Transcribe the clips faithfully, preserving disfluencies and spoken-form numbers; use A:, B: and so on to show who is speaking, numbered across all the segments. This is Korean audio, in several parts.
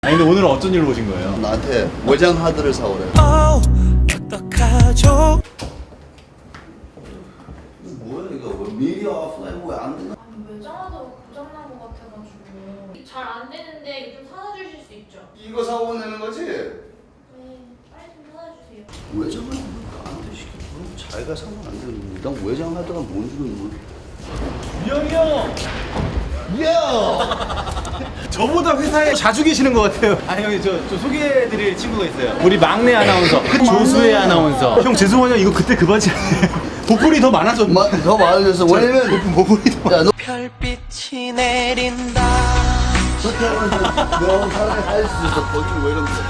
A: 아니 근데 오늘은 어쩐 일로 오신 거예요?
B: 나한테 외장 하드를 사오래.
C: 어, 어떡하죠?
B: 뭐야 이거? 미디어 오프라인 왜 안 되나?
D: 아니 외장하다가 고장난 것 같아가지고 잘 안 되는데 좀 사다 주실 수 있죠?
B: 이거 사고 내는 거지?
D: 네 빨리 좀 사다 주세요.
B: 외장 하드가 안 돼, 시켜. 그럼 자기가 사면 안 되는데. 난 외장 하드가 뭔지는 몰라.
A: 유영이 형!
B: 야!
A: 저보다 회사에 자주 계시는 것 같아요. 아니 형님 저, 저 소개해드릴 친구가 있어요. 우리 막내 아나운서 조수혜 아나운서. 형 죄송해요 이거 그때 그 바지 아니에요. 보풀이 더 많아졌네.
B: 마, 더 많아졌어. 왜냐면
A: 보풀이 더
B: 야, 너
C: 별빛이 내린다.
B: 그렇게 하면 너 사람이 할 수 있어. 거기는 왜 이런 거?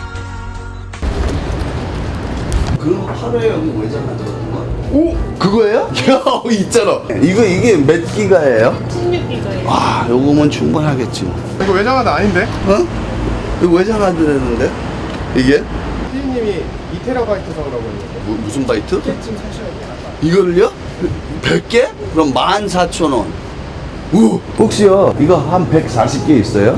B: 그런 거 팔아요. 여기 외장 하드 같은 거. 오! 그거예요? 야, 있잖아. 이거 이게 몇 기가예요?
D: 십육 기가예요.
B: 아, 요거면 충분하겠지.
E: 이거 외장하드 아닌데?
B: 어? 이거 외장 하드라는데? 이게?
E: 피디님이 이 테라바이트 사오라고 했는데
B: 뭐, 무슨 바이트?
E: 지금 사셔야 돼요.
B: 이걸요? 백 개? 그럼 만 사천 원. 우! 혹시요, 이거 한 백사십 개 있어요?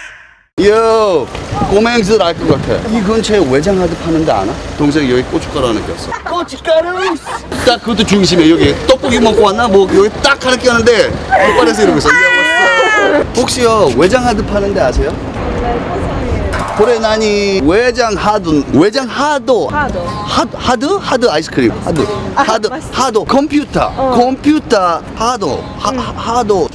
B: 요! 꼬맹이들 알 것 같아. 이 근처에 외장 하드 파는데 아나? 동생이 여기 고춧가루 하나 꼈어. 고춧가루! 딱 그것도 중심에 여기 떡볶이 먹고 왔나? 뭐 여기 딱 하나 꼈는데 오빠에서 이러고 있어. 야, 왔어. 혹시요, 외장 하드 파는데 아세요? 그래 나니 외장 하드 외장 하도
F: 하도.
B: 하드 하드 하드 아이스크림 하드
F: 아,
B: 하드
F: 맛있어.
B: 하도 컴퓨터
F: 어.
B: 컴퓨터 하도 하, 하- 하도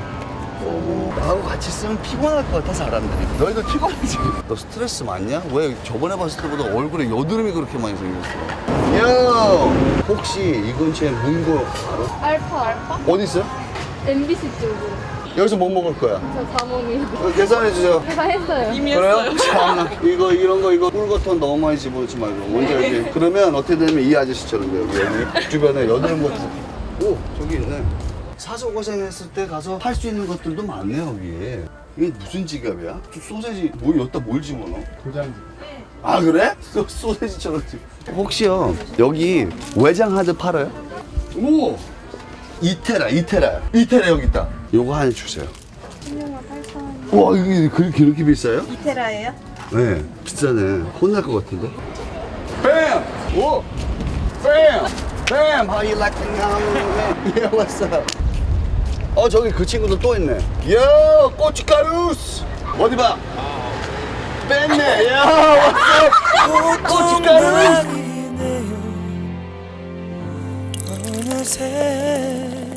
B: 나하고 같이 있으면 피곤할 것 같아 사람들이. 너희도 피곤하지? 너 스트레스 많냐? 왜 저번에 봤을 때보다 얼굴에 여드름이 그렇게 많이 생겼어? 야 혹시 이 근처에 문고 알아?
F: 알파 알파?
B: 어디 있어요?
F: 엠비씨 쪽으로.
B: 여기서 뭐 먹을 거야?
F: 저 자몽이.
B: 어, 계산해 주세요.
F: 다 했어요. 이미
B: 그래요? 참, 이거 이런 거 이거 꿀거톤 너무 많이 집어넣지 말고 먼저 여기. 그러면 어떻게 되면 이 아저씨처럼 돼요. 여기 목 주변에 여드름 같은. 오 저기 있네. 사서 고생했을 때 가서 할 수 있는 것들도 많네요 여기. 이게 무슨 지갑이야? 저 소세지 뭐 여기다 뭘 집어넣어?
E: 도장지.
B: 아 그래? 소, 소세지처럼 집. 혹시요 여기 외장 하드 팔아요? 오 이테라 이테라 이테라 여기 있다. 요거 하나 주세요.
F: 한명만 팔천 원.
B: 와 이게 그렇게 그렇게 비싸요?
F: 이테라예요?
B: 네, 비싸네. 혼날 것 같은데. Bam! 오! Bam! Bam! How you like the young? Yeah, what's up? 어, 저기 그 친구도 또 있네. 야, 고춧가루스! 어디 봐. 뺐네. 야, what's up? 고춧가루스!
C: 어느새